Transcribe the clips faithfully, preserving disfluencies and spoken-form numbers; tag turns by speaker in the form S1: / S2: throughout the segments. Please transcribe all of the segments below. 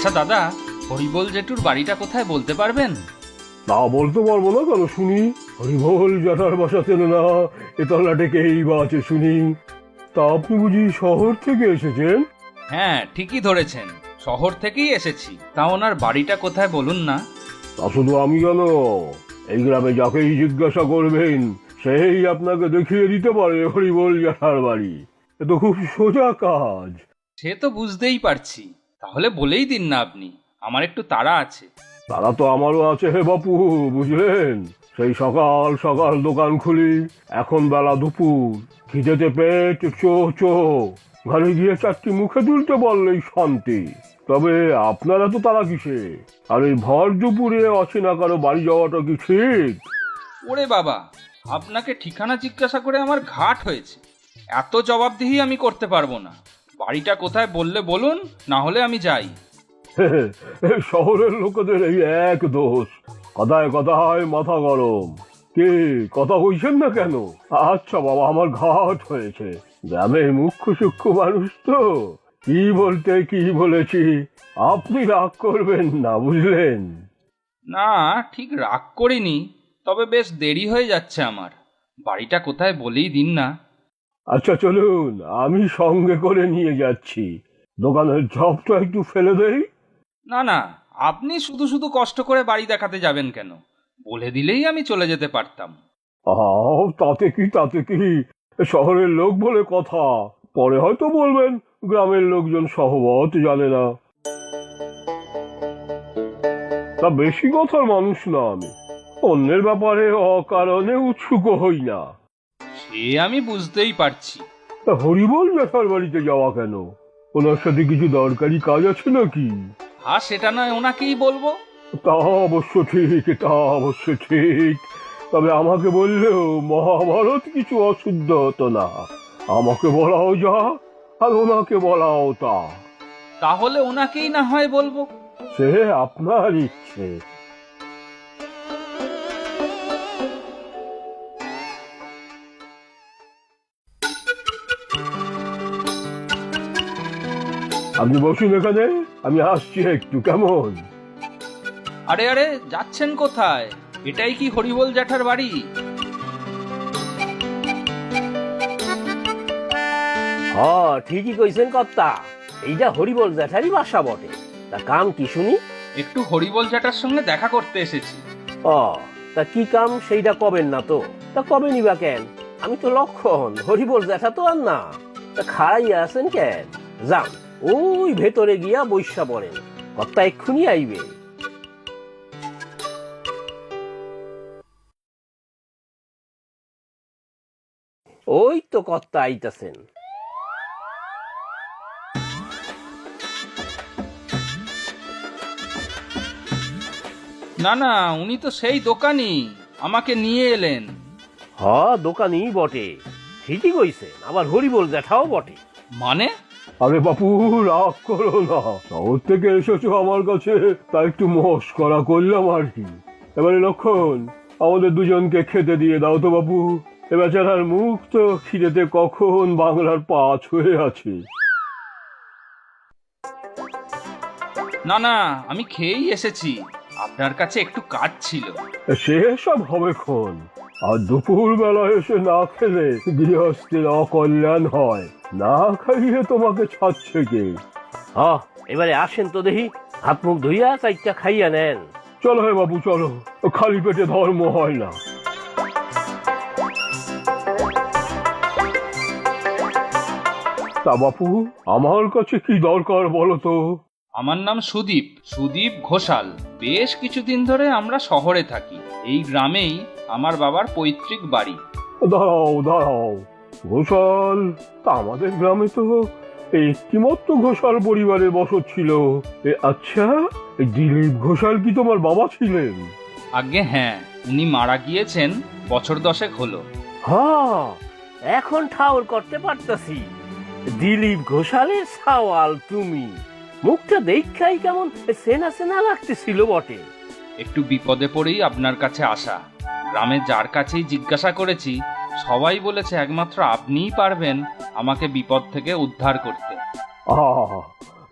S1: আচ্ছা দাদা, হরিবোল জেঠুর বাড়িটা কোথায় বলতে পারবেন?
S2: না বলতে পারবো না কেন শুনি? হরিবোল জ্যাঠার বাসা চেনে না এতলা ডেকেই বা আছে শুনি। তা আপনি বুঝি শহর থেকে এসেছেন?
S1: হ্যাঁ, ঠিকই ধরেছেন, শহর থেকেই এসেছি। তা ওনার বাড়িটা কোথায় বলুন না।
S2: তা শুধু আমি কেন, এই গ্রামে যাকেই জিজ্ঞাসা করবেন সেই আপনাকে দেখিয়ে দিতে পারে হরিবোল জ্যাঠার বাড়ি। এ তো খুব সোজা কাজ।
S1: সে তো বুঝতেই পারছি, তাহলে বলেই দিন না আপনি, আমার একটু তাড়া আছে।
S2: তারা তো আমারও আছে হে বাপু, বুঝলেন? সেই সকাল সকাল দোকান খুলি, এখন বেলা দুপুর, খিদেতে পেট চো চো, ঘরে গিয়ে চারটি মুখে তুলতে বললেই শান্তি। তবে আপনারা তো তারা কিসে? আর এই ভর দুপুরে অচেনা কারো বাড়ি যাওয়াটা কি ঠিক?
S1: ওরে বাবা, আপনাকে ঠিকানা জিজ্ঞাসা করে আমার ঘাট হয়েছে। এত জবাবদিহি আমি করতে পারবো না। বাড়িটা কোথায় বললে বলুন, না হলে আমি যাই।
S2: শহরের লোকেদের এই এক দোষ, কথায় কথায় মাথা গরম। কে কথা কইছেন না কেন? আচ্ছা বাবা, আমার ঘাট হয়েছে। গ্রামের মুখ্য সূক্ষ্ম মানুষ তো, কি বলতে কি বলেছি, আপনি রাগ করবেন না, বুঝলেন?
S1: না, ঠিক রাগ করিনি, তবে বেশ দেরি হয়ে যাচ্ছে আমার। বাড়িটা কোথায় বলেই দিন না।
S2: আচ্ছা চলুন, আমি সঙ্গে করে নিয়ে যাচ্ছি। দোকানের ঝপটা একটু ফেলে দেই।
S1: না না, আপনি শুধু শুধু কষ্ট করে বাড়ি দেখাতে যাবেন কেন? বলে দিলেই আমি চলে যেতে পারতাম।
S2: আহ তাতে কি তাতে কি, শহরের লোক বলে কথা। পরে হয়তো বলবেন গ্রামের লোকজন সহবত জানে না। তা বেশি কথার মানুষ না আমি, অন্যের ব্যাপারে অকারণে উৎসুক হই না।
S1: সে আমি বুঝতেই পারছি।
S2: তা হরিবোল জ্যাঠার বাড়িতে যাওয়া কেন? ওনার সাথে কিছু দরকারি কাজ আছে নাকি?
S1: আর সেটা নয় ওনাকেই বলবো।
S2: তা অবশ্য ঠিক, তা অবশ্য ঠিক। তবে আমাকে বললেও মহাভারত কিছু অশুদ্ধ হতো না। আমাকে বলাও যা, আর ওনাকে বলাও তা।
S1: তাহলে ওনাকেই না হয় বলবো।
S2: সে আপনার ইচ্ছে। আপনি বসুন এখানে, আমি আসছি একটু, কেমন?
S1: আরে আরে, যাচ্ছেন কোথায়? এটাই কি হরিবোল জ্যাঠার বাড়ি?
S3: হ্যাঁ ঠিকই কইছেন কর্তা, এইটা হরিবোল জ্যাঠারই বাসা বটে। তা কাম কি শুনি?
S1: একটু হরিবোল জ্যাঠার সঙ্গে দেখা করতে এসেছি।
S3: ও, তা কি কাম সেইটা কবেন না তো? তা কবে নিবা কেন? আমি তো লক্ষণ, হরিবোল জ্যাঠা তো আর না। তা খাড়াইয়া আছেন কেন? যান, ওই ভেতরে গিয়া বৈশা পড়েন, কর্তা এক্ষুনি আইবে। ওই তো কর্তা আইতাছেন।
S1: না না, উনি তো সেই দোকানি, আমাকে নিয়ে এলেন।
S3: হ, দোকানই বটে, ঠিকই কইছেন, আবার হরিবোল জ্যাঠাও বটে।
S1: মানে?
S2: আরে বাপু, রাগ করো না, শহর থেকে এসেছো আমার কাছে, তা একটু মস্করা করলাম আর কি। এবারে লক্ষণ, আমাদের দুজনকে খেতে দিয়ে দাও তো বাপু। এ বেচারার মুখ তো খিদেতে কখন বাংলার পাঁচ হয়ে আছে।
S1: না না, আমি খেয়েই এসেছি, আপনার কাছে একটু কাজ ছিল।
S2: সে সব হবে খন, আর দুপুর বেলা এসে না খেলে গৃহস্থের অকল্যাণ হয়। না খাইয়ে তোমাকে ছাড়ছে কে?
S3: হ, এবারে আসেন তো দেখি, হাত মুখ ধুইয়া চাইটা খাইয়া নেন।
S2: চলো হে বাবু চলো, খালি পেটে ধর্ম হয় না। তা বাপু, আমার কাছে কি দরকার বলো তো?
S1: আমার নাম সুদীপ, সুদীপ ঘোষাল। বেশ কিছুদিন ধরে আমরা শহরে থাকি। এই গ্রামেই আমার বাবার পৈতৃক বাড়ি।
S2: দাঁড়াও দাঁড়াও, ঘোষাল? তা আমাদের গ্রামে তো একটিমাত্র ঘোষাল পরিবারের বসত ছিল। এ আচ্ছা, এই দিলীপ ঘোষাল কি তোমার বাবা ছিলেন?
S1: আগে হ্যাঁ, উনি মারা গিয়েছেন বছর দশেক হলো।
S3: হ্যাঁ, এখন ঠাউর করতে পারতাছি, দিলীপ ঘোষালের সাওয়াল তুমি। মুখটা দেখাই কেমন সেনা সেনা লাগতেছিল বটে।
S1: একটু বিপদে পড়েই আপনার কাছে আসা। গ্রামে যার কাছেই জিজ্ঞাসা করেছি, সবাই বলেছে একমাত্র আপনিই পারবেন আমাকে বিপদ থেকে উদ্ধার করতে।
S2: আহ,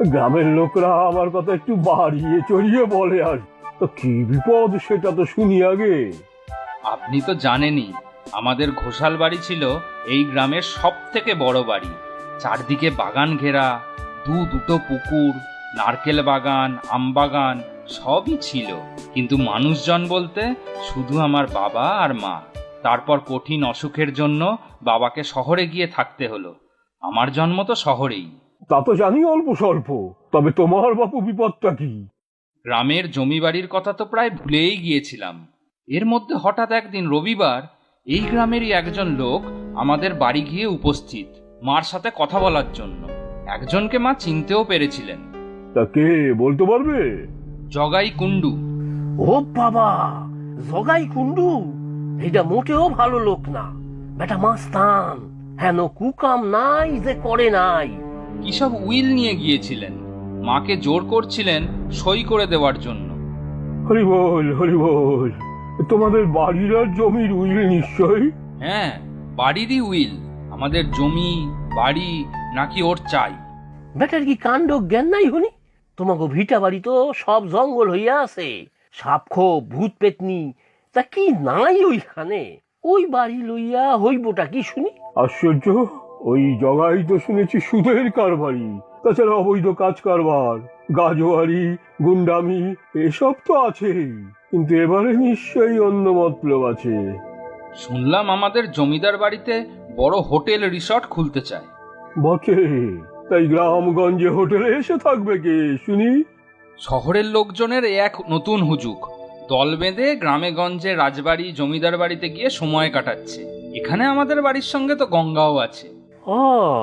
S2: গ্রামের লোকরা আমার কথা একটু বাড়িয়ে চড়িয়ে বলে আর তো কি বিপদ সেটা তো শুনি আগে।
S1: আপনি তো জানেনই আমাদের ঘোষাল বাড়ি ছিল এই গ্রামের সব থেকে বড় বাড়ি। চারদিকে বাগান ঘেরা, দু দুটো পুকুর, নারকেল বাগান, আম বাগান সবই ছিল। কিন্তু মানুষজন বলতে শুধু আমার বাবা আর মা। তারপর কঠিন অসুখের জন্য বাবাকে শহরে গিয়ে থাকতে হলো। আমার জন্ম তো শহরেই।
S2: তা তো জানি অল্প স্বল্প, তবে তোমার বাপু বিপদটা কি?
S1: গ্রামের জমি বাড়ির কথা তো প্রায় ভুলেই গিয়েছিলাম। এর মধ্যে হঠাৎ একদিন রবিবার এই গ্রামেরই একজন লোক আমাদের বাড়ি গিয়ে উপস্থিত, মার সাথে কথা বলার জন্য। একজনকে মা চিনতেও পেরেছিলেন।
S2: তা কে বলতে পারবে?
S1: জগাই কুণ্ডু।
S3: ও বাবা, জগাই কুণ্ডু এটা মোটেও ভালো লোক না। বেটা মাস্তান, হেন কুকাম নাই যে করে নাই।
S1: কি সব উইল নিয়ে গিয়েছিলেন, মাকে জোর করছিলেন সই করে দেওয়ার জন্য।
S2: হরি বল হরি বল, তোমাদের বাড়ির আর জমির উইল নিশ্চয়ই?
S1: হ্যাঁ, বাড়িরই উইল। আমাদের জমি বাড়ি নাকি ওর চাই।
S3: বেটার কি কাণ্ড জ্ঞান নাই হনি? তোমাকে ভিটা বাড়ি তো সব জঙ্গল হইয়া আছে, সাপখো ভূত পেতনি, তা কি নাই ওইখানে? ওই বাড়ি লইয়া হইবটা কি শুনি?
S2: আশ্চর্য, ওই জগাই তো শুনেছি সুদের কারবারি, তাছাড়া অবৈধ কাজ কারবার, গাজোয়ারি, গুন্ডামি এসব তো আছেই। কিন্তু এবারে নিশ্চয়ই অন্য মতলব আছে।
S1: শুনলাম আমাদের জমিদার বাড়িতে বড় হোটেল রিসর্ট খুলতে চায়।
S2: বটে, তাই গ্রামগঞ্জে হোটেলে এসে থাকবে কে শুনি?
S1: শহরের লোকজনের এক নতুন হুজুক, দল বেঁধে গ্রামে গঞ্জে রাজবাড়ি জমিদার বাড়িতে গিয়ে সময় কাটাচ্ছে। এখানে আমাদের বাড়ির সঙ্গে তো গঙ্গাও আছে।
S3: ও,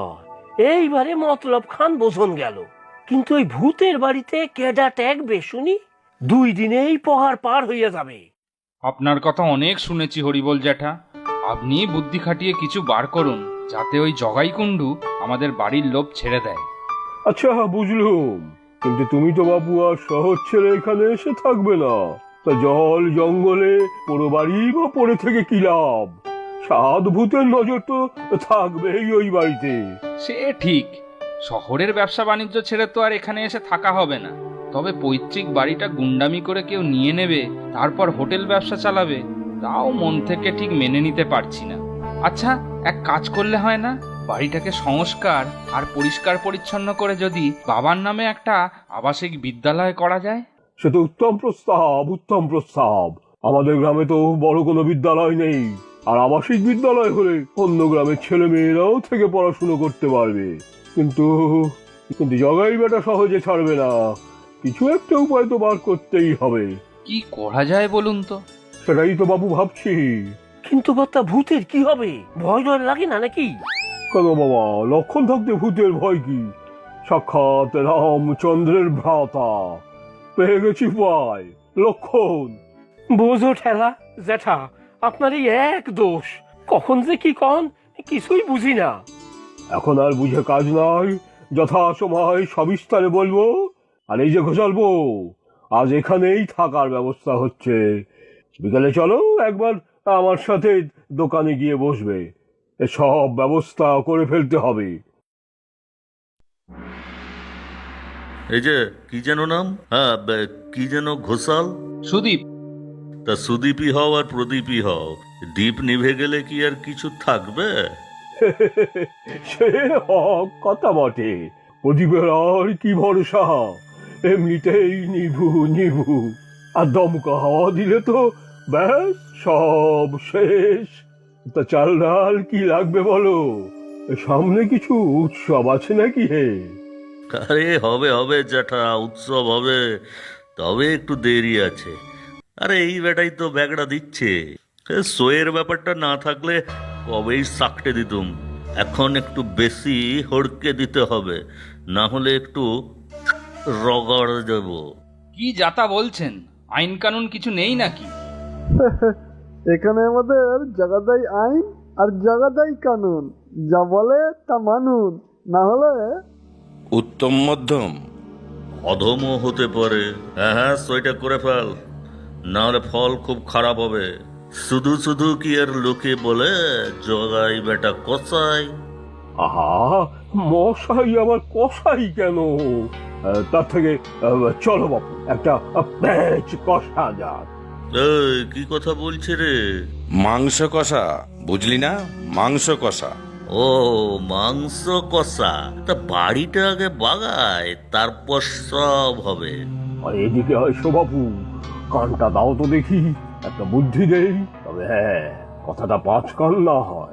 S3: এইবারে মতলব খান বোঝন গেল। কিন্তু ওই ভূতের বাড়িতে কেডা ট্যাগবে শুনি? দুই দিনেই পহার পার হইয়া যাবে।
S1: আপনার কথা অনেক শুনেছি হরিবল জ্যাঠা। আপনি বুদ্ধি খাটিয়ে কিছু বার করুন, যাতে ওই জগাই কুণ্ডু আমাদের বাড়ির লোভ ছেড়ে দেয়।
S2: আচ্ছা বুঝলুম, কিন্তু তুমি তো বাবু আর শহর ছেড়ে এখানে এসে থাকবে না। তা জল জঙ্গলে পুরো বাড়ি বা পড়ে থেকে কি লাভ? সাত ভূতের নজর তো থাকবেই ওই বাড়িতে।
S1: সে ঠিক, শহরের ব্যবসা বাণিজ্য ছেড়ে তো আর এখানে এসে থাকা হবে না। তবে পৈতৃক বাড়িটা গুন্ডামি করে কেউ নিয়ে নেবে, তারপর হোটেল ব্যবসা চালাবে, তাও মন থেকে ঠিক মেনে নিতে পারছি না। আচ্ছা, এক কাজ করলে হয় না? বাড়িটাকে সংস্কার আর পরিষ্কার পরিচ্ছন্ন করে যদি বাবার নামে একটা আবাসিক বিদ্যালয় করা যায়।
S2: সে তো উত্তম প্রস্তাব, উত্তম প্রস্তাব। আমাদের গ্রামে তো বড় কোনো বিদ্যালয় নেই, আর আবাসিক বিদ্যালয় হলে অন্য গ্রামের ছেলে মেয়েরাও থেকে পড়াশুনো করতে পারবে। কিন্তু কিন্তু জগাই বেটা সহজে ছাড়বে না। কিছু একটা উপায় তো বার করতেই হবে।
S1: কি করা যায় বলুন তো?
S2: সেটাই তো বাবু ভাবছি।
S3: কিন্তু কর্তা, ভূতের কি হবে? ভয় ডর লাগে না নাকি?
S2: কেন বাবা, লক্ষণ থাকতে ভূতের ভয় কি? সাক্ষাৎ রামচন্দ্রের ভ্রাতা, পেয়ে গেছি উপায়, লক্ষণ।
S3: বোঝো ঠেলা জ্যাঠা, আপনার এই এক দোষ। কখন যে কি কন কিছুই বুঝি না।
S2: এখন আর বুঝে কাজ নাই, যথা সময় সবিস্তারে বলবো। আর এই যে ঘোষালবো, আজ এখানেই থাকার ব্যবস্থা হচ্ছে। বিকালে চলো একবার আমার সাথে দোকানে গিয়ে বসবে, সব ব্যবস্থা করে ফেলতে হবে।
S4: এই যে কি যেন নাম? হ্যাঁ, বে- কি যেন ঘোষাল?
S1: সুদীপ।
S4: তা সুদীপই হও আর প্রদীপই হও, দ্বীপ নিভে গেলে কি আর কিছু থাকবে?
S2: সে হক কথা বটে, প্রদীপের আর কি ভরসা, এমনিতেই নিভু নিভু। আর দমকা হাওয়া দিলে তো ব্যাস সব শেষ। তা চাল ডাল কি লাগবে বলো? সামনে কিছু উৎসব আছে নাকি হে?
S4: আরে হবে হবে জ্যাঠা, উৎসব হবে, তবে একটু দেরি আছে। আরে এই বেটাই তো ব্যাগটা দিচ্ছে। এ সইয়ের ব্যাপারটা না থাকলে কবেই সাকটে দিতুম। এখন একটু বেশি হড়কে দিতে হবে, না হলে একটু রগড় দেব।
S1: কি যাতা বলছেন? আইন কানুন কিছু নেই নাকি?
S5: এখানে আমাদের জাগাদাই আইন আর জাগাদাই কানুন, যা বলে তা মানুন, না হলে
S6: উত্তম মধ্যম।
S4: অধমও হতে পারে। হ্যাঁ হ্যাঁ, সইটা করে ফেল, না হলে ফল খুব খারাপ হবে। শুধু শুধু কি আর লোকে বলে জগাই বেটা কসাই?
S2: আহা, মশাই আবার কষাই কেন? আহ, তার থেকে আহ, চলো বাপু একটা আহ, প্যাঁচ কষা যাক।
S4: এই, কি কথা বলছে রে?
S6: মাংস কষা, বুঝলি না? মাংস কষা।
S4: ও, মাংস কষা। তা বাড়িটা আগে বাগায়, তারপর সব হবে।
S2: আর এদিকে এসো বাপু, কানটা দাও তো দেখি, একটা বুদ্ধি দেই। তবে হ্যাঁ, কথাটা পাঁচ কান না হয়।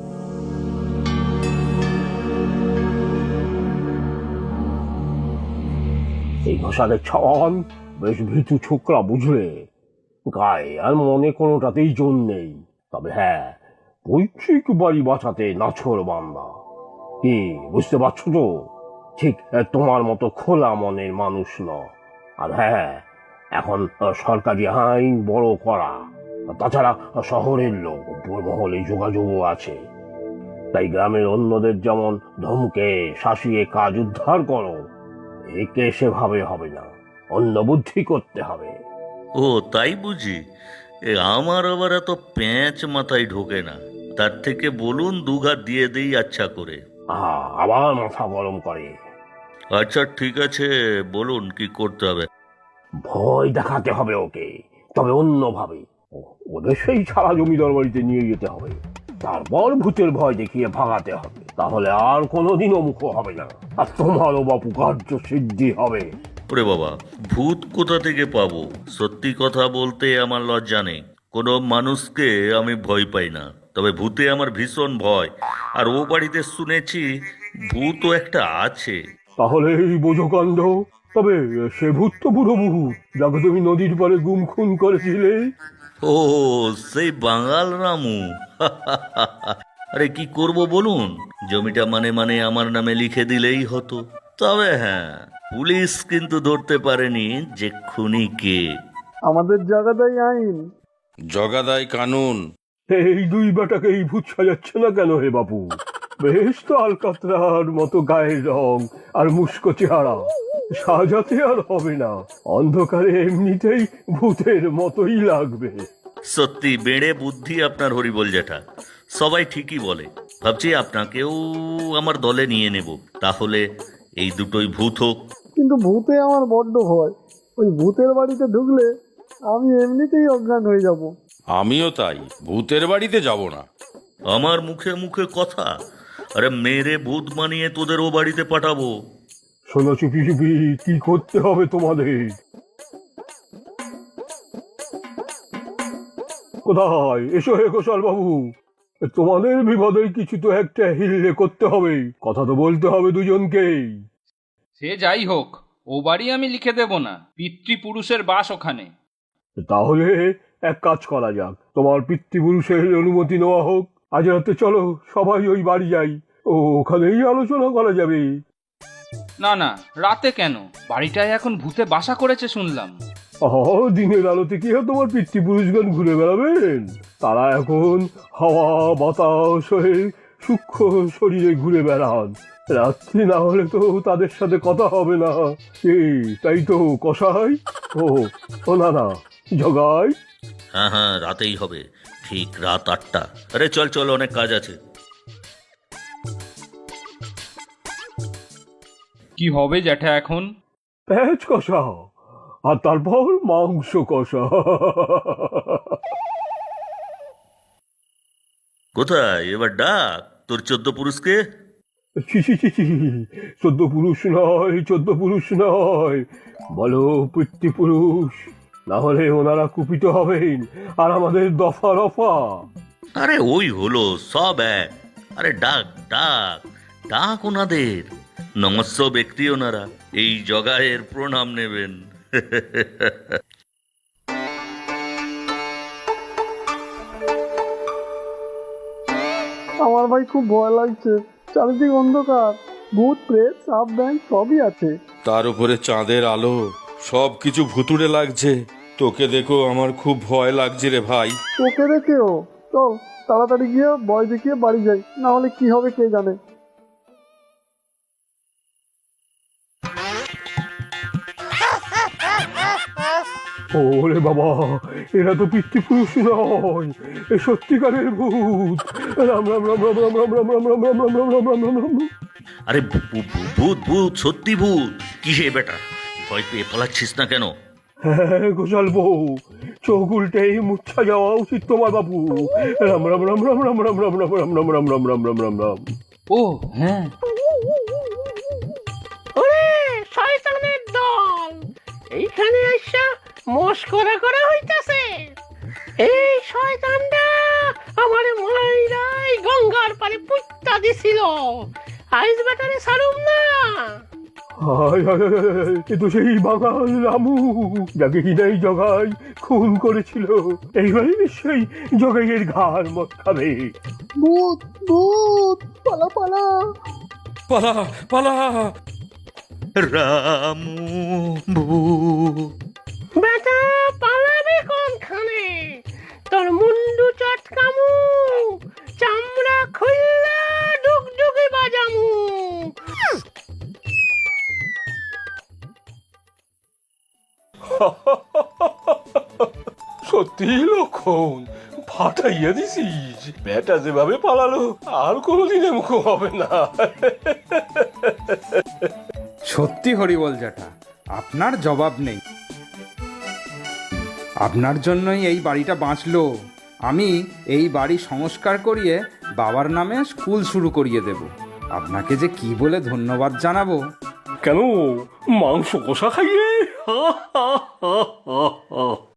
S2: এই ঘষাদের ছন বেশ ভীতু ছোকরা, বুঝলে? গায়ে আর মনে কোনোটাতেই জোর নেই। তবে হ্যাঁ, পৈতৃক বাড়ি বাঁচাতে নাছর বান্দা। কি বুঝতে পারছো তো? ঠিক আহ, তোমার মতো খোলা মনের মানুষ ন। আর হ্যাঁ, এখন আহ, সরকারি আইন বড় করা। তাছাড়া আহ, শহরের লোক, উপর মহলে যোগাযোগও আছে। তাই গ্রামের অন্যদের যেমন ধমকে শাসিয়ে কাজ উদ্ধার করো, একে সেভাবে হবে না, অন্য বুদ্ধি করতে হবে।
S4: ও, তাই বুঝি? এ আমার আবার এত প্যাঁচ মাথায় ঢোকে না। তার থেকে বলুন দুঘা দিয়ে দেই আচ্ছা করে।
S2: আহা, আবার মাথা গরম করে।
S4: আচ্ছা ঠিক আছে, বলুন কি করতে হবে।
S2: ভয় দেখাতে হবে ওকে, তবে অন্যভাবে। ও- ওদের সেই ছাড়া জমিদার বাড়িতে নিয়ে যেতে হবে, তারপর ভূতের ভয় দেখিয়ে ভাগাতে হবে। তাহলে আর কোনোদিনও মুখ হবে না, আর তোমারও বাপু কার্য সিদ্ধি হবে।
S4: ওরে বাবা, ভূত কোথা থেকে পাবো? সত্যি কথা বলতে আমার লজ্জা নেই। কোনো মানুষকে আমি ভয় পাই না, তবে ভূতে আমার ভীষণ ভয়। আর ও বাড়িতে শুনেছি ভূতও একটা আছে।
S2: তাহলে এই বোঝো কাণ্ড। তবে সে ভূত তো বুড়ো ভূত, যাকে তুমি নদীর পাড়ে গুম খুন করেছিলে।
S4: ও, সেই বাঙাল রামু। আরে কি করব বলুন? জমিটা মানে মানে আমার নামে লিখে দিলেই হতো। তবে হ্যাঁ, পুলিশ কিন্তু ধরতে পারেনি যে খুনি কে।
S5: আমাদের জায়গাটাই আইন।
S6: জগাদাই কানুন।
S2: এই দুই বেটাকে এই ভূত সাজাচ্ছে না কেন হে বাপু? বেশ তো আলকাতরার মতো গায়ের রং আর মুস্কো চেহারা, সাজাতে আর হবে না। অন্ধকারে এমনিতেই ভূতের মতোই লাগবে।
S4: সত্যি বেড়ে বুদ্ধি আপনার, হরিবল জ্যাঠা। সবাই ঠিকই বলে। ভাবছি আপনাকেও আমার দলে নিয়ে নেব। তাহলে এই দুটোই ভূত হোক।
S5: কিন্তু ভূতে আমার বড্ড ভয়। ওই ভূতের বাড়িতে ঢুকলে আমি এমনিতেই অজ্ঞান হয়ে যাব।
S6: আমিও তাই, ভূতের বাড়িতে যাব না।
S4: আমার মুখে মুখে কথা। আরে মেরে ভূত বানিয়ে তোদের ও বাড়িতে পাঠাবো।
S2: শোনো চুপি চুপি, কি করতে হবে তোমাদের? কোথায়? এসো হে গোসাল বাবু, তোমাদের বিপদের কিছু তো একটা হিললে করতে হবে, কথা তো বলতে হবে দুজনকেই।
S1: সে যাই হোক, ও বাড়ি আমি লিখে দেব না। পিতৃপুরুষের বাস ওখানে।
S2: তাহলে এক কাজ করা যাক, তোমার পিতৃপুরুষের অনুমতি নেওয়া হোক। আজ রাতে চলো সবাই ওই বাড়ি যাই, ও ওখানেই আলোচনা করা যাবে।
S1: না না, রাতে কেন? বাড়িটায় এখন ভূতে বাসা করেছে শুনলাম।
S2: অহ, দিনের আলোতে কি হয় তোমার পিতৃপুরুষগণ ঘুরে বেড়াবেন? তারা এখন হাওয়া বাতাস হয়ে সূক্ষ্ম শরীরে ঘুরে বেড়ান। রাত্রি না হলে তো তাদের সাথে কথা হবে না। এই তাই তো কষাই। ও ও না না, জগাই।
S4: হ্যাঁ হ্যাঁ, রাতেই হবে, ঠিক রাত আটটা। আরে চল চল, অনেক কাজ আছে।
S1: কি হবে জ্যাঠা এখন?
S2: প্যাঁচ কষা, আর তারপর মাংস কষা।
S4: কোথায় এবার ডাক তোর চোদ্দ পুরুষকে।
S2: ছি ছি ছি ছি, চোদ্দ পুরুষ নয়, চোদ্দ পুরুষ নয়, বলো পিতৃপুরুষ। না হলে ওনারা কুপিত হবেন আর আমাদের দফা রফা।
S4: আরে ওই হলো, সব এক। আরে ডাক ডাক ডাক ওনাদের। নমস্য ব্যক্তি ওনারা, এই জগায়ের প্রণাম নেবেন।
S5: আমার ভাই খুব ভয় লাগছে। চারিদিক অন্ধকার, ভূত প্রেত সাপ ব্যাং সবই আছে।
S6: তার উপরে চাঁদের আলো, সব কিছু ভুতুড়ে লাগছে। তোকে দেখো আমার খুব ভয় লাগছে রে ভাই।
S5: তোকে দেখেও চল তাড়াতাড়ি গিয়ে ভয় দেখিয়ে বাড়ি যাই, না হলে কি হবে কে জানে।
S2: ওরে বাবা, এরা তো পিতৃপুরুষ নয়, এ সত্যিকারের ভূত। রাম রাম রাম রাম রাম রাম রাম রাম রাম রাম রাম রাম রাম রাম রাম রাম।
S4: আরে ভূ- ভূ- ভূত ভূত সত্যি ভূত কিসে বেটা ভয় পেয়ে পালাচ্ছিস না কেন?
S2: হ্যাঁ গোসাল বউ, চোখ উল্টেই মুচ্ছা যাওয়া উচিত তোমার বাবু। রাম রাম রাম রাম রাম রাম রাম রাম রাম রাম রাম রাম রাম রাম রাম রাম।
S1: ও হ্যাঁ,
S3: ওরে শয়তানের দল, এইখানে আইসা মস্করা করা হইতাছে। এই শয়তানটা আমার মাইরাই গঙ্গার পারে পুত্তা দিছিল, আইস বেটারে ছাড়ুম না।
S2: হায় হায় হায় হায়, এ তো সেই বাঙাল রামু, যাকে কিনা এই জগাই খুন করেছিল। এইবারই নিশ্চয়ই জগাইয়ের ঘাড় মত খাবে।
S5: ভূত ভূত পালা পালা।
S6: পালা পালা।
S4: রামু ভূত।
S3: বেটা পালাবি কোনখানে? তোর মুন্ডু চটকামু, চামড়া খুললা ডুগডুগি বাজামু।
S2: সত্যি লক্ষণ, ফাটাইয়া দিছিস। বেটা যেভাবে পালালো আর কোনোদিন এমন হবে না।
S7: সত্যি হরিবল জ্যাঠা, আপনার জবাব নেই। আপনার জন্যই এই বাড়িটা বাঁচলো। আমি এই বাড়ি সংস্কার করিয়ে বাবার নামে স্কুল শুরু করিয়ে দেব। আপনাকে যে কি বলে ধন্যবাদ জানাবো।
S2: কেন, মাংস কষা খাইয়ে?